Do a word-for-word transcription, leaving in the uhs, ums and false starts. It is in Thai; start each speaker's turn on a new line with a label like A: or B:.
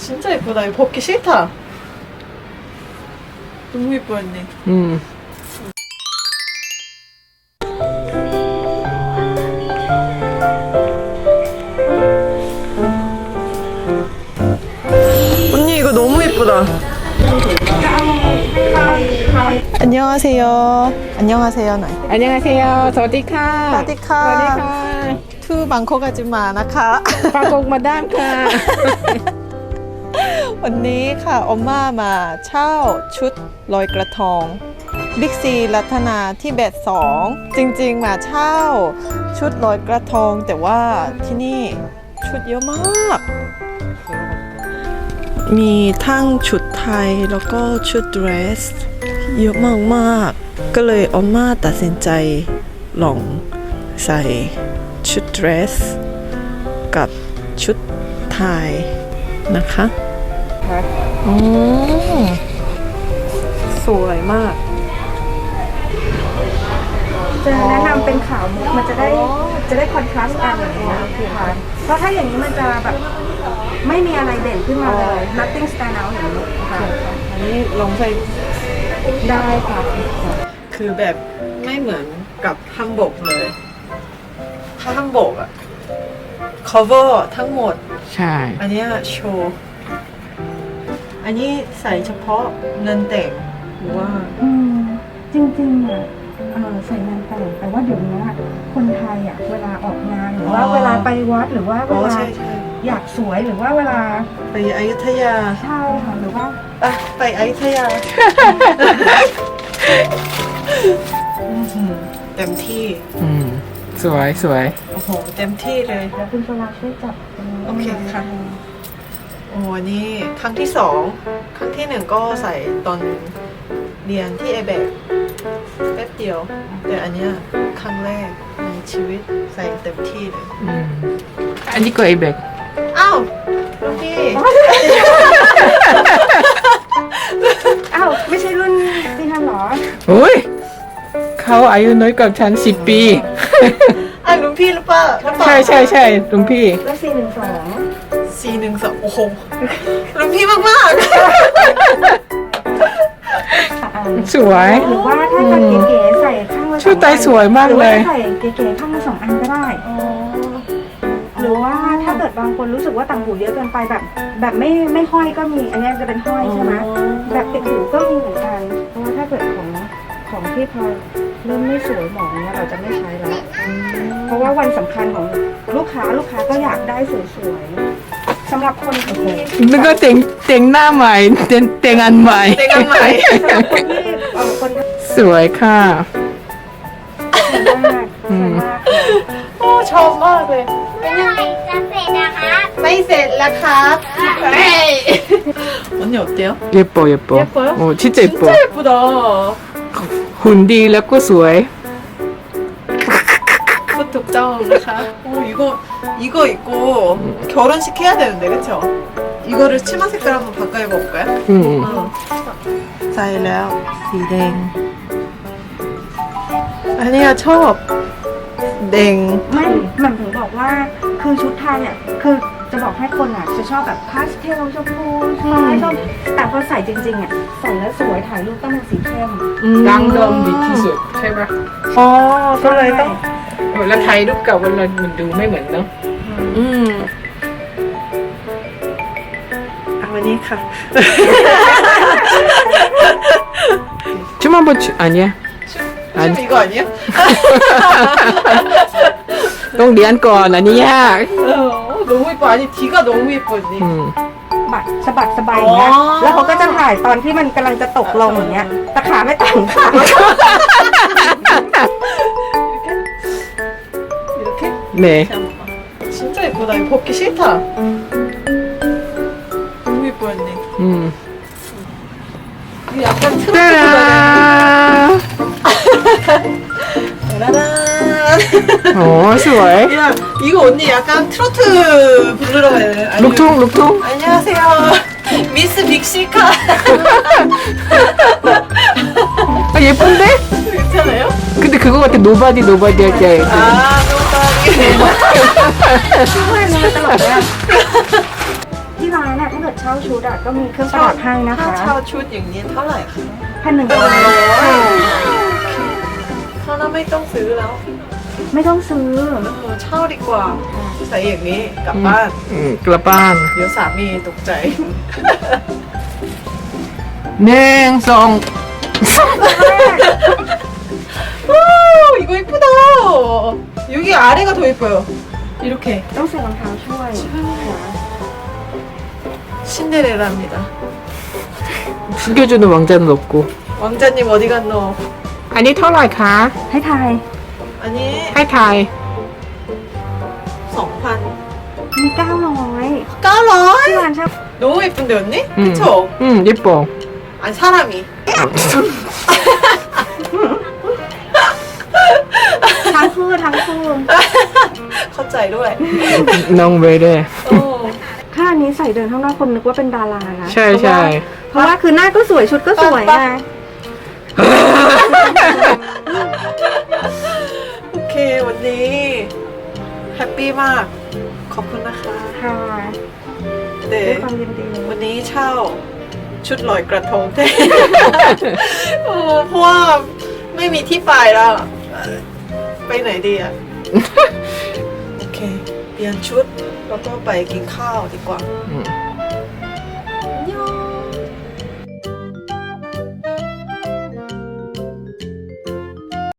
A: 진짜 예쁘다. 이거 벗기 싫다. 너무 예뻐 언니.
B: 음.
A: 언니 이거 너무 예쁘다. 안녕하세요. 안녕하세요. 나.
B: 안녕하세요. สวัสดีค่ะ
A: 사디카.
B: สวัสดีค่ะ
A: 투 방콕 아줌마 나카.
B: ปากกมาด้ามค่ะ
A: วันนี้ค่ะอมม่ามาเช่าชุดลอยกระทงบิ๊กซีรัตนาที่เบสสองจริงๆมาเช่าชุดลอยกระทงแต่ว่าที่นี่ชุดเยอะมาก มีทั้งชุดไทยแล้วก็ชุดเดรสเยอะมากๆก็เลยอมม่าตัดสินใจลองใส่ชุดเดรสกับชุดไทยนะคะอ๋อสวยมาก
C: จะแนะนำเป็นขาวมุกมันจะได้จะได้คอนทราสต์กันอย่างนี้นะค่ะเพราะถ้าอย่างนี้มันจะแบบไม่มีอะไรเด่นขึ้นมาเลย nothing stand out อย่างนี้ค่ะ
A: อันนี้ลองใส่
C: ได้ค่ะ
A: คือแบบไม่เหมือนกับฮัมบกเลย ถ้าฮัมบกอะ cover ทั้งหมด
B: ใช่
A: อันเนี้ยโชว์ อันนี้ใส่เฉพาะเงินแต่งหรือว่า
C: อืมจริงๆอ่ะเอ่อใส่งานแต่งแต่ว่าเดี๋ยวนี้คนไทยอ่ะเวลาออกงานหรือว่าเวลาไปวัดหรือว่าเว
A: อ๋อ
C: ลา
A: ใช่ใช่
C: อยากสวยหรือว่าเวลา
A: ไปอยุธยา
C: ใช่ค่ะหรือว่า
A: อ่ะไปอยุธยา อื้อหือเต็มที่
B: อืมสวยสวย
A: โอ้โห เต็มที่เลย
C: แล้วคุณสลาช่วยจับตรงนี้
A: โอเคค่ะ โอ้อันนี้ครั้งที่สอง ครั้งที่หนึ่งก็ใส่ตอนเรียนที่เอเบกแป๊บเดียว แต่อันเนี้ยครั้งแรกในชีวิตใส่เต็มที่เลย
B: อืมอันนี้ก็ไอเบก
A: อ้าวลูกพี่
C: อ้าวไม่ใช่รุ่นที่ทำหรอ
B: โอ้ยเขาอายุน้อยกว่าฉันสิบปี
A: อ่ะลุงพี่หรือเปล่าหรือเปล่า
B: ใช่ใช่ใช่ลุงพี่
C: แล้วสี่หนึ่งสอง
A: สี่หนึ่งสองโอ้โหลุงพี่มากมาก
B: สวย
C: หรือว่าถ้าจะเก๋ๆใส่ข้างละสองอัน
B: ชุดไทยสวยมากเลย
C: หรือว่าใส่เก๋ๆข้างละสองอันก็ได้ หรือว่าถ้าเกิดบางคนรู้สึกว่าต่างหูเยอะเกินไปแบบ แบบไม่ไม่ห้อยก็มี อันนี้จะเป็นห้อยใช่ไหมแบบติดหูก็มีเหมือนกัน เพราะว่าถ้าเกิดของของที่พอเริ่มไม่สวยหมองเนี่ยเราจะไม่ใช้แล้ว เพราะว่าวันสำคัญของลูกค้าลูกค้าก็อยากได้สวยๆสำหรับคนที่
B: นึกว่าแต่งแต่งหน้าใหม่แต่งแต่งอันใหม่
A: เต็งกันใหม่
C: สำหรับคนที่เอ่อคนที่
B: สวยค่ะ
C: สวยมากสวยมาก
A: โอ้ชอบมากเลยเป็นยังไง
D: จะเสร็จนะครับ
A: ไม่เสร็จแล้วครับเฮ้ย언니 어때요?
B: 예뻐 예뻐
A: 예뻐요?
B: 어 진짜 예뻐
A: 진짜 예쁘다.
B: หุ่นดีแล้วก็สวย
A: 푸특정นะคะ 오 이거 이거 입고 결혼식 해야 되는데 그쵸? 이거를 치마 색깔 한번 바꿔 입어볼까요?
B: อืม
A: 어. ใส่แล้วสีแดง อันนี้ชอบแดง
C: ไม่หมันถึงบอกว่าคือชุดไทยอ่ะคือจะบอกให้คนอ่ะจะชอบแบบพาสเทลชมพูฟ้าชมแต่พอใส่จริงๆอ่ะใส่แล้วสวยถ่ายรูปต้องเป็นสีเข้ม
B: ดังเดิมดีที่สุดใช่ปะ
A: อ๋อก็เลยต้อง
B: เออแล้วไทยรูปเก่ามันมันดูไม่เหมือนเนาะ
A: อืมเอาวันนี้ค่ะ
B: 춤 한번 추 아니야
A: 춤 이거 아니야?
B: ต้องเรียนก่อนอันนี้ยาก
A: 어, 너무 예뻐. 아니 뒤가 너무 예뻐 언니.
B: อืม
C: บัดสะบัดสบายอย่างเงี้ย
A: อ๋อ
C: แล้วเขาก็จะถ่ายตอนที่มันกำลังจะตกลงอย่างเงี้ยแตะขาไม่ต่างค่ะ
A: 이렇게?
B: 네
A: 잠깐만. 진짜 예쁘다. 이거 벗기 싫다. 너무 예뻐 언니.
B: อืม
A: 이거 약간 트로트
B: ตาดา
A: 따라란.
B: โอ้สวย
A: 야 이거 언니 약간 트로트 부르러 가야 돼. 아니,
B: ลูกทุ่งลูกทุ่ง
A: 안녕하세요. 미스 빅시카.
B: 아 예쁜데?
A: 괜찮아요?
B: 근데 그거 같아 노바디 노바디 할 때.
A: 아 노바디.
C: ช่วยนะตลกเนี่ยที่ร้านน่ะถ้าเกิดเช่าช่าชุดอะก็มีเครื่องประดับให้นะ
A: ถ้า
C: คะ
A: เช่าชุดอย่างนี้เท่าไหร่คะ
C: พันหนึ่งร้อย
A: เท่านั้นไม่ต้องซื้อแล้ว
C: ไม่ต้องซื้อ
A: เออเช่าดีกว่า ใส่อย่างนี้กลับบ้าน
B: อืมกลับบ้าน
A: เดี๋ยวสามีตกใจ
B: หนึ่งสอง
A: 오, 이거 예쁘다. 여기 아래가 더 예뻐요. 이렇게
C: ต้องใส่รองเท้าช่วย
A: 신데렐라입니다.
B: 숨겨주는 왕자는 없고.
A: 왕자님 어디 갔노?
B: อันนี้เท่าไหร่คะ
C: ให้ทาย
A: 아니,
B: ให้ทาย
A: 성판.
C: มีเก้าร้อยที่
A: 까라이.
C: ร้านชอบ
A: 너무 예쁜데 언니?
B: อืม
A: 그쵸?
B: อืม예뻐.
A: 아니 사람이.
C: ทั้งคู่ทั้งคู่
A: 컷자이ด้วย
B: น้องเวเด้
A: 어.
C: ถ้าอันนี้ใส่เดินข้างนอกคนนึกว่าเป็นดารานะ
B: ใช่ใช่
C: เพราะว่าคือหน้าก็สวยชุดก็สวยไง
A: 오케이 언니 해피มาก ขอบคุณนะคะ
C: ค่ะด้ว
A: 네
C: ยความยินดี
A: วันนี้เช่าชุดลอยกระทงแทน โอ้เพราะว่าไม่มีที่ไปแล้วเอ่อไปไหนดีอ่ะ โอเค เปลี่ยนชุดแล้วก็ไปกินข้าวดีกว่า
B: อืม